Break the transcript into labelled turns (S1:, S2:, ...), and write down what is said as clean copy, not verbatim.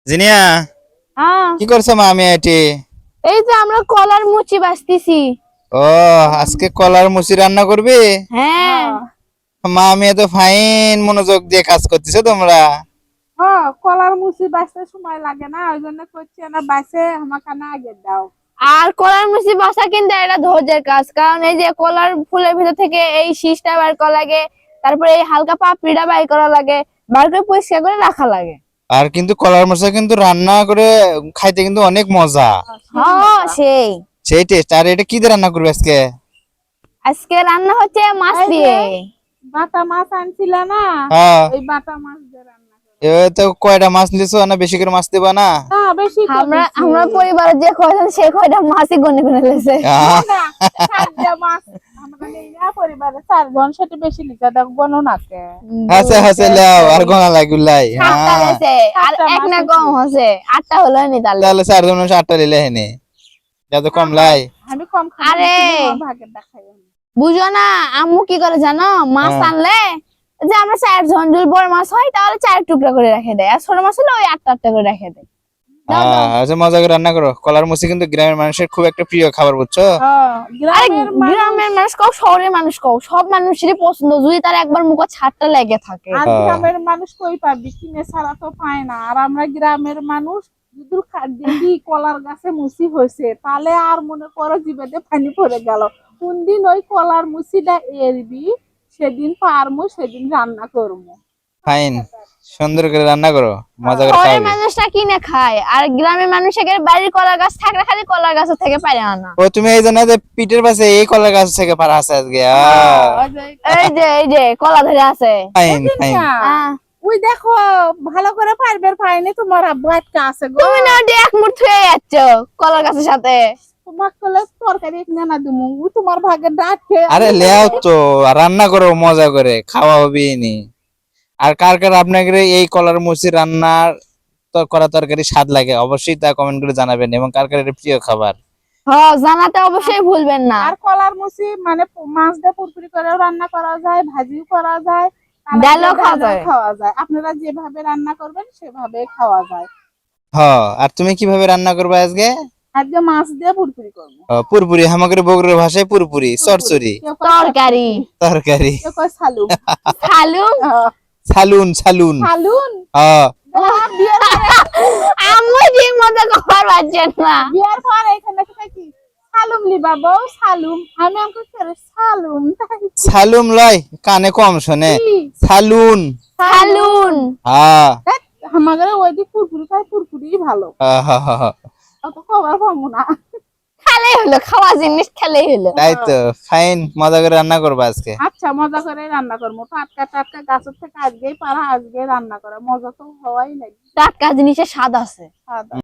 S1: জিনিয়া
S2: হ্যাঁ,
S1: কি করছো মা? আমি এটি
S2: এই যে আমরা কলার মুচি বাছতেছি।
S1: ও আজকে কলার মুচি রান্না করবে?
S2: হ্যাঁ,
S1: মা আমি এত ফাইন মনোযোগ দিয়ে কাজ করতেছো তোমরা।
S3: কলার মুচি বাঁচতে সময় লাগে না, ওই জন্য করছি না, বাঁচে আমাকে না আগে দাও।
S2: আর কলার মুচি বাছা কিন্তু এটা ধৈর্যের কাজ, কারণ এই যে কলার ফুলের ভিতর থেকে এই শীষটা বের করা লাগে, তারপরে এই হালকা পাপড়িটা বের করা লাগে, বার করে পরিষ্কার করে রাখা লাগে।
S1: আর কিন্তু কলার মুচি কিন্তু রান্না করে খাইতে কিন্তু অনেক মজা,
S2: হ্যাঁ সেই
S1: সেই টেস্ট। আর এটা কি দিয়ে রান্না করবে আজকে?
S2: আজকে রান্না হচ্ছে মাছ
S3: এই যে,
S2: দিয়ে।
S3: বাটা মাছ আনছিল না,
S1: হ্যাঁ
S3: ওই বাটা মাছ দিয়ে রান্না করো।
S1: এ তো কয়টা মাছ নিছো না? বেশি করে মাছ দিবা না?
S3: না বেশি করে
S2: আমরা
S3: দিছি।
S2: আমরা পরিবারে যে কয়জন সে কয়টা মাছই গনে গনে লেছে।
S1: আহ,
S3: না, চারটে মাছ আমরা নেই না, পরিবারে 4 জন, সেটা বেশি লিখা দাও, গনো নাকে।
S1: হাসে হাসে লাও আর গোনা লাগুলাই।
S2: সাতটা
S1: হ্যাঁ
S2: লেছে আর
S3: সাতটা
S2: এক না
S3: মাছ
S2: কম হচ্ছে, 8টা হলো নি তাহলে।
S1: তাহলে 4 জন 8টা লিলে হেনে যত কম লাই।
S3: আমি কম খাই,
S2: আরে।
S3: আমার ভাগের দেখাই।
S2: বুঝো না আম্মু কি করে জানো? মাছ
S1: হ্যাঁ।
S2: আনলে যে আমরা 4 জন যদি বড় মাছ হয় তাহলে 4 টুকরা করে রেখে দেয়, আর ছোট মাছ হলে ওই 8টা করে রেখে দেয়। দাও, দাও।
S1: আচ্ছা মজা করে রান্না করো। কলার মুচি কিন্তু গ্রামের মানুষের খুব একটা প্রিয় খাবার, বুঝছো?
S2: আরে
S3: গ্রামের মানুষ
S2: গ্রামের মানুষ কও শহরের মানুষ কও, সব মানুষেরই পছন্দ যদি তার একবার মুখে ছাড়টা লেগে থাকে।
S3: আর
S1: হ্যাঁ।
S3: গ্রামের মানুষ কই পাবি, কিনে ছাড়া তো পায় না। আর আমরা গ্রামের মানুষ যদি দেখি কলার গাছে মুসি হয়েছে, তাহলে আর মনে করো জিভেতে পানি পড়ে গেল। কোনদিন ওই কলার মুসিটা এরবি, সেদিন পারমু, সেদিন রান্না করবো।
S1: ফাইন, সুন্দর করে রান্না করো, মজা করে
S2: শহরের
S1: খাবে।
S2: মানুষটা কিনে খায়, আর গ্রামের মানুষের বাড়ির কলা গাছ থাকলে খালি কলা গাছ থেকে পারে আনা।
S1: ও তুমি এই জানো যে পিঠের পাশে এই কলা গাছ থেকে পারা আছে আজকে?
S2: এই যে কলা ধরে আছে।
S1: Fine fine.
S2: আহ,
S3: ওই দেখো, ভালো করে পারবে পাইনি, তোমার আব্বু আটকা আছে গো।
S2: তুমি না ওটা এক মুঠ থুয়ে যাচ্ছ কলার গাছের সাথে।
S3: তোমার কলে তরকারি এক না দিমু, তোমার ভাগের ডাট খেয়ে
S1: আরে লেও তো, রান্না করো মজা করে, খাওয়া হবে নি। আর কার কার আপনাদের এই কলার মুচি রান্নার করা তরকারি স্বাদ লাগে অবশ্যই তা কমেন্ট করে জানাবেন, এবং কার কার এটা প্রিয় খাবার।
S2: হ্যাঁ জানাতে অবশ্যই ভুলবেন না।
S3: আর কলার মুচি মানে মাছ দিয়ে পুরপুরি করেও রান্না করা যায়, ভাজিও করা যায়, আর
S2: ডালও খাওয়া
S3: ডালও
S2: যায়।
S3: খাওয়া যায়। আপনারা যেভাবে রান্না করবেন সেভাবে খাওয়া যায়।
S1: আর তুমি কিভাবে রান্না করবে আজকে?
S3: আজকে মাছ দিয়ে পুরপুরি করবো।
S1: পুরপুরি, আমাদের বগুড়ার ভাষায় পুরপুরি, চরচরি,
S3: কেউ কয়
S2: তরকারি।
S1: তরকারি,
S3: কেউ কয় সালুম।
S2: খালু
S1: সালুন সালুন।
S3: সালুন
S2: আম্মু ঠিক মতো খাবার পাচ্ছেন না।
S3: বিয়ার পর এখানে কি সালুম লিবা বউ, সালুম। আমি আমাকে ছেড়ে সালুম তাই
S1: সালুম লয়, কানে কম শোনে।
S3: কি?
S1: সালুন।
S2: খালুন।
S1: হ্যাঁ
S3: আমাদের ওই দিক পুরপুরি খাই, পুরপুরি ভালো, অত খাবার পাবো না।
S2: খেলেই হলো, খাওয়া জিনিস খেলেই হলো।
S1: তাই তো। ফাইন, মজা করে রান্না করবো আজকে।
S3: আচ্ছা, মজা করে রান্না করবো। টাটকা টাটকা গাছের থেকে আজকেই পারা, আজকে রান্না করা, মজা তো হওয়াই লাগবে।
S2: টাটকা জিনিসের স্বাদ আছে।
S3: খাওয়া দাওয়া।